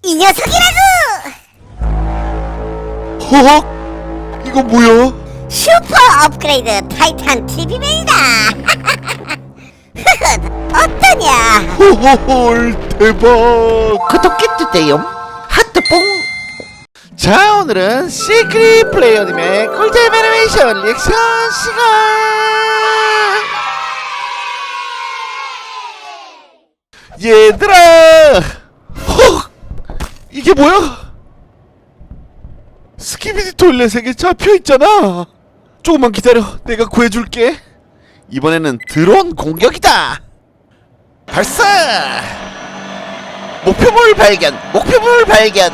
이 녀석이라고! 허헉! 이거 뭐야? 슈퍼 업그레이드 타이탄 TV맨이다! 어떠냐? 호호홀 대박! 구독해주세요. 하트뽕. 자, 오늘은 시크릿 플레이어님의 꿀잼 애니메이션 리액션 시간. 얘들아! 헉! 이게 뭐야? 스키비디 토일렛에게 잡혀있잖아. 조금만 기다려, 내가 구해줄게. 이번에는 드론 공격이다. 발사. 목표물 발견. 목표물 발견.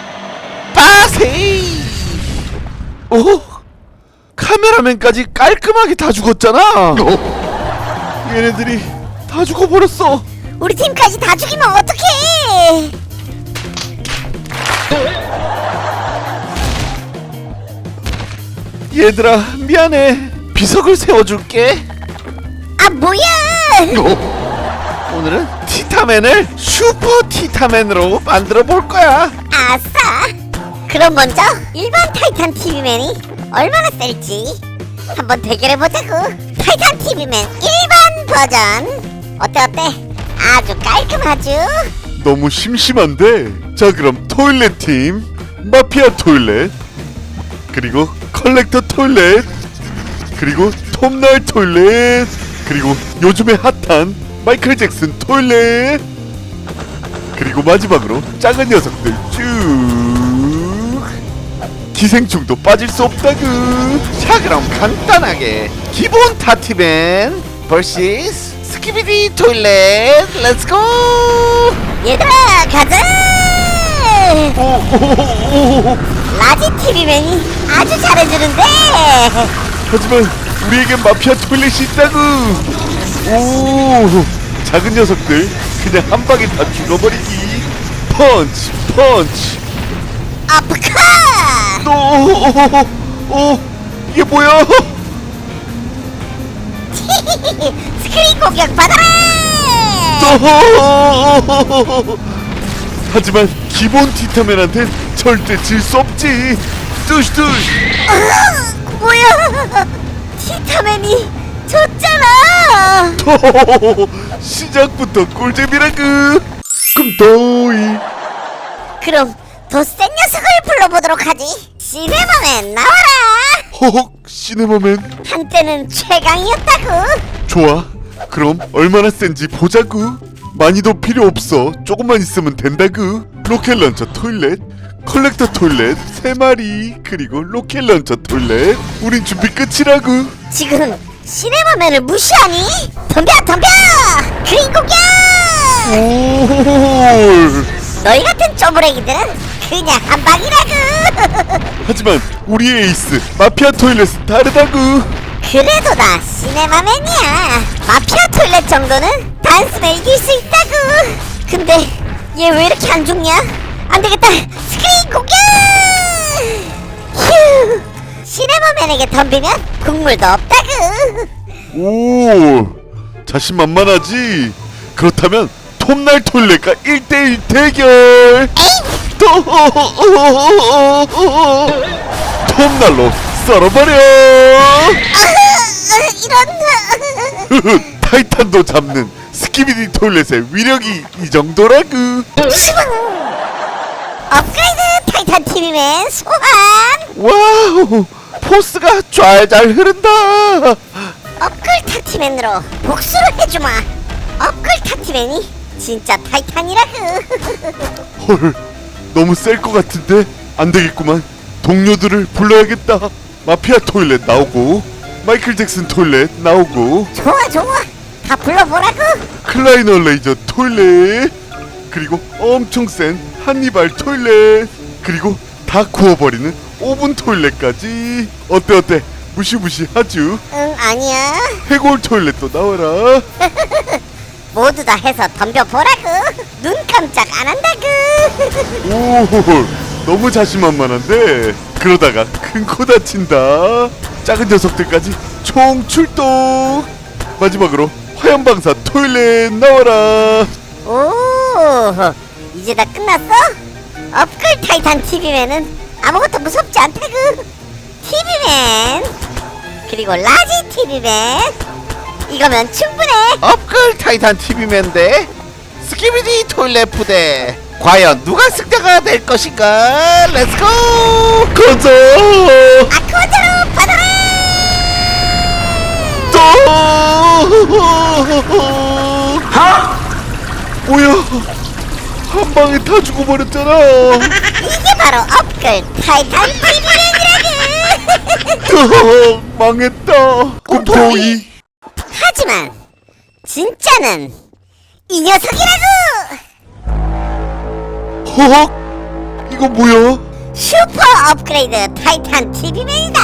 빠세이. 어? 카메라맨까지 깔끔하게 다 죽었잖아. 얘네들이 다 죽어버렸어. 우리 팀까지 다 죽이면 어떡해! 얘들아, 미안해. 비석을 세워줄게. 아 뭐야! 오늘은 티타맨을 슈퍼 티타맨으로 만들어 볼 거야. 아싸! 그럼 먼저 일반 타이탄 TV맨이 얼마나 셀지 한번 대결해보자고. 타이탄 TV맨 일반 버전 어때? 아주 깔끔하죠? 너무 심심한데. 자, 그럼 토일렛 팀, 마피아 토일렛, 그리고 컬렉터 토일렛, 그리고 톱날 토일렛, 그리고 요즘에 핫한 마이클 잭슨 토일렛, 그리고 마지막으로 작은 녀석들 쭉. 기생충도 빠질 수 없다구. 자, 그럼 간단하게 기본 타티맨 vs 스키비디 토일렛 렛츠고. 얘들아 가자! 오오오오. 라지 TV맨이 아주 잘해주는데 하지만 우리에겐 마피아 토일렛이 있다구. 오, 작은 녀석들 그냥 한 방에 다 죽어버리기. 펀치 펀치. 아프카! 오, 이게 뭐야? 스크린 공격 받아라! 하지만 기본 티타맨한텐 절대 질 수 없지. 뚜시뚜시. 뭐야? 티타맨이 졌잖아! 시작부터 꿀잼이라구. 꿈도이. 그럼 더 센 녀석을 불러보도록 하지. 시네마맨 나와라! 허헉, 시네마맨. 한때는 최강이었다구. 좋아. 그럼 얼마나 센지 보자구. 많이도 필요 없어. 조금만 있으면 된다구. 로켓 런처 토일렛, 컬렉터 토일렛 3마리, 그리고 로켓 런처 토일렛. 우린 준비 끝이라구. 지금 시네마맨을 무시하니? 덤벼 덤벼! 그린 공격! 오. 너희 같은 쪼부레기들은 그냥 한 방이라구. 하지만 우리의 에이스 마피아 토일렛은 다르다구. 그래도 나 시네마맨이야. 마피아 토일렛 정도는 단숨에 이길 수 있다구. 근데 얘 왜 이렇게 안 죽냐? 안 되겠다. 스크린 공격! 휴. 시네마맨에게 덤비면 국물도 없다구. 오, 자신만만하지. 그렇다면 톱날 토일렛과 1대1 대결. 톱날로 썰어버려. 이런. 타이탄도 잡는 스키비디 토일렛의 위력이 이 정도라구. 업그레이드 타이탄 TV맨 소환. 와우, 포스가 잘 흐른다. 업글 타티맨으로 복수를 해주마. 업글 타티맨이 진짜 타이탄이라구. 헐, 너무 셀 것 같은데 안 되겠구만. 동료들을 불러야겠다. 마피아 토일렛 나오고, 마이클 잭슨 토일렛 나오고, 좋아 좋아. 다 불러보라구. 클라이너 레이저 토일렛, 그리고 엄청 센 한니발 토일렛, 그리고 다 구워버리는 오븐 토일렛까지. 어때? 무시무시하쥬. 응 아니야. 해골 토일렛도 나와라. 모두 다 해서 덤벼보라구. 눈 깜짝 안 한다구. 오, 너무 자신만만한데 그러다가 큰 코 다친다. 작은 녀석들까지 총 출동. 마지막으로 화염방사 토일렛 나와라. 오 이제 다 끝났어? 업글 타이탄 TV맨은 아무것도 무섭지 않다구. TV맨 그리고 라지 TV맨 이거면 충분해. 업글 타이탄 TV맨 대 스키비디 토일렛 부대. 과연 누가 승자가 될 것인가? 렛츠고! 가자. 아쿠아자로 받아라. 뭐야? 한 방에 다 죽어버렸잖아. 이게 바로 업글 타이탄 TV맨이라구. 망했다. 꿈토이. 하지만 진짜는 이 녀석이라구. 허헉. 이거 뭐야? 슈퍼 업그레이드 타이탄 TV맨이다.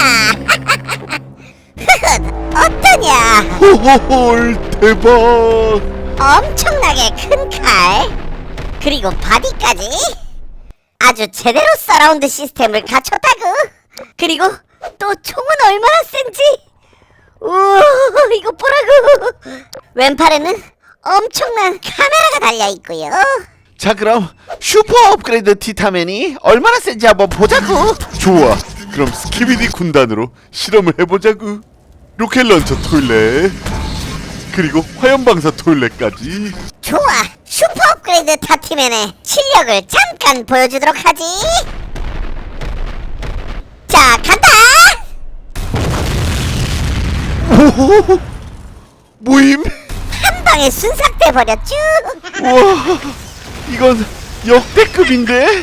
어떠냐? 호호홀 대박. 엄청나게 큰 칼, 그리고 바디까지 아주 제대로 서라운드 시스템을 갖췄다구. 그리고 또 총은 얼마나 센지. 우와, 이거 보라구. 왼팔에는 엄청난 카메라가 달려있고요. 자, 그럼 슈퍼 업그레이드 티타맨이 얼마나 센지 한번 보자고. 좋아. 그럼 스키비디 군단으로 실험을 해보자구. 로켓 런처 토일렛 그리고 화염방사 토일렛까지. 좋아, 슈퍼 업그레이드 타티맨의 실력을 잠깐 보여주도록 하지. 자, 간다. 오호. 모임. 한 방에 순삭돼 버렸쥬. 우와. 이건 역대급인데.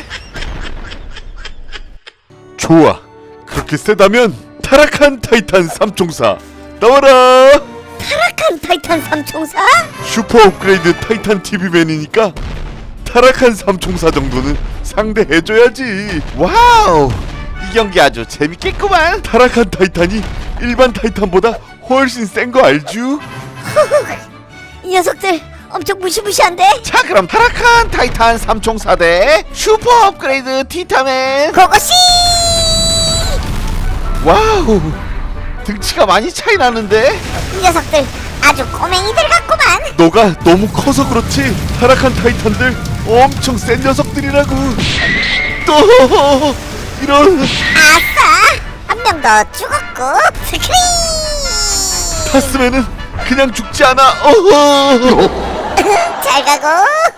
좋아. 그렇게 세다면 타락한 타이탄 삼총사 나와라. 타락한 타이탄 삼총사? 슈퍼 업그레이드 타이탄 TV맨이니까 타락한 삼총사 정도는 상대해줘야지. 와우, 이 경기 아주 재밌겠구만. 타락한 타이탄이 일반 타이탄보다 훨씬 센 거 알쥬? 이 녀석들 엄청 무시무시한데? 자, 그럼 타락한 타이탄 삼총사 대 슈퍼 업그레이드 티타맨. 고고씨! 와우, 등치가 많이 차이 나는데. 이 녀석들 아주 꼬맹이들 같구만. 너가 너무 커서 그렇지 타락한 타이탄들 엄청 센 녀석들이라고. 또 이런. 아싸! 한 명 더 죽었고 스크린! 타스맨은 그냥 죽지 않아. 어허. 잘 가고.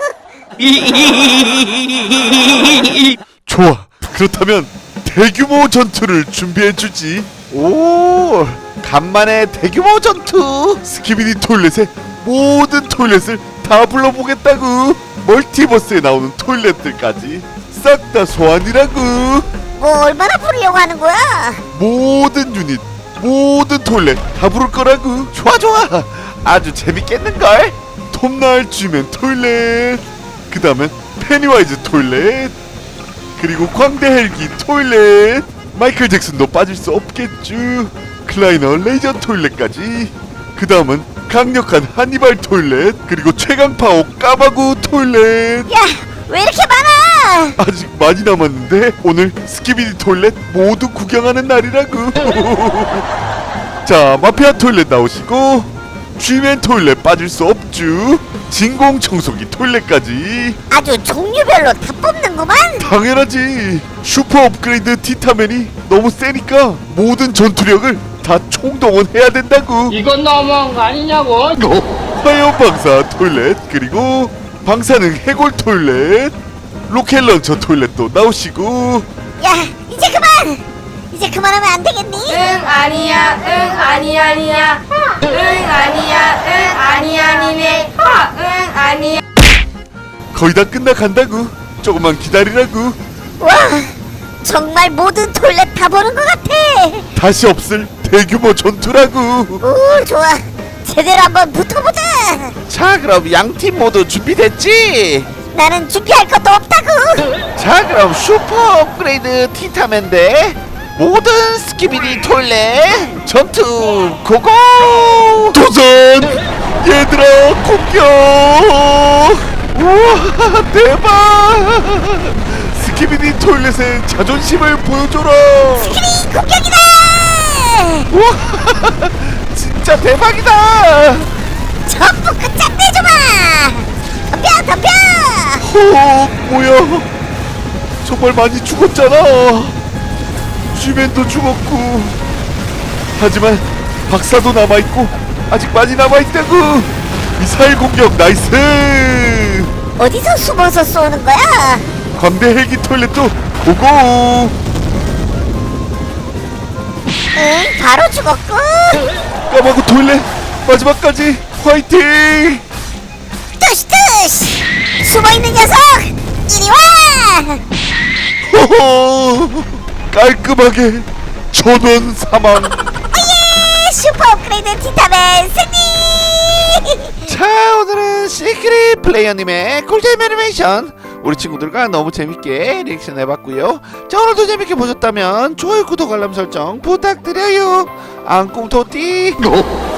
좋아. 그렇다면 대규모 전투를 준비해주지. 오, 간만에 대규모 전투. 스키비디 토일렛의 모든 토일렛을 다 불러보겠다구. 멀티버스에 나오는 토일렛들까지 싹 다 소환이라구. 뭐 얼마나 부르려고 하는 거야? 모든 유닛, 모든 토일렛 다 부를 거라구. 좋아 좋아, 아주 재밌겠는걸. 톱날 쥐맨 토일렛, 그 다음엔 페니와이즈 토일렛, 그리고 광대 헬기 토일렛, 마이클 잭슨도 빠질 수 없겠쥬. 클라이너 레이저 토일렛까지. 그 다음은 강력한 한니발 토일렛, 그리고 최강파워 까바구 토일렛. 야, 왜 이렇게 많아? 아직 많이 남았는데 오늘 스키비디 토일렛 모두 구경하는 날이라구. 자, 마피아 토일렛 나오시고 쥐맨 토일렛 빠질 수 없쥬. 진공 청소기 토일렛까지. 아주 종류별로 다 뽑는구만. 당연하지. 슈퍼 업그레이드 티타맨이 너무 세니까 모든 전투력을 다 총동원해야 된다고. 이건 너무한 거 아니냐고. 화염 방사 토일렛, 그리고 방사능 해골 토일렛, 로켓 런처 토일렛도 나오시고. 야, 이제 그만. 이제 그만하면 안 되겠니? 응 아니야 응 아니 아니야 응 아니야 응 아니 아니네 응 아니야. 거의 다 끝나간다고. 조금만 기다리라고. 와, 정말 모든 토일렛 다 보는 것 같아. 다시 없을 대규모 전투라고. 오, 좋아. 제대로 한번 붙어보자. 자, 그럼 양팀 모두 준비됐지? 나는 준비할 것도 없다고. 자, 그럼 슈퍼 업그레이드 티타맨 대 모든 스키비디 토일렛 전투 고고! 도전! 얘들아, 공격! 우와, 대박! 스키비디 토일렛의 자존심을 보여줘라. 스크린 공격이다. 우와, 진짜 대박이다! 전부 끝장내줘봐. 덤벼 덤벼. 호, 뭐야? 정말 많이 죽었잖아. 쥐맨도 죽었고, 하지만 박사도 남아있고 아직 많이 남아있다고. 미사일 공격 나이스. 어디서 숨어서 쏘는 거야? 광대 헬기 토일렛도 고고. 응, 바로 죽었고. 까마고 토일렛 마지막까지 화이팅. 뜨시뜨시 숨어있는 녀석 이리 와. 호호, 깔끔하게 전원 사망. 오예, 슈퍼 업그레이드 티타맨 승리. 자, 오늘은 시크릿 플레이어님의 꿀잼 애니메이션 우리 친구들과 너무 재밌게 리액션 해봤고요. 자, 오늘도 재밌게 보셨다면 좋아요, 구독, 알람 설정 부탁드려요. 앙꿈토띠.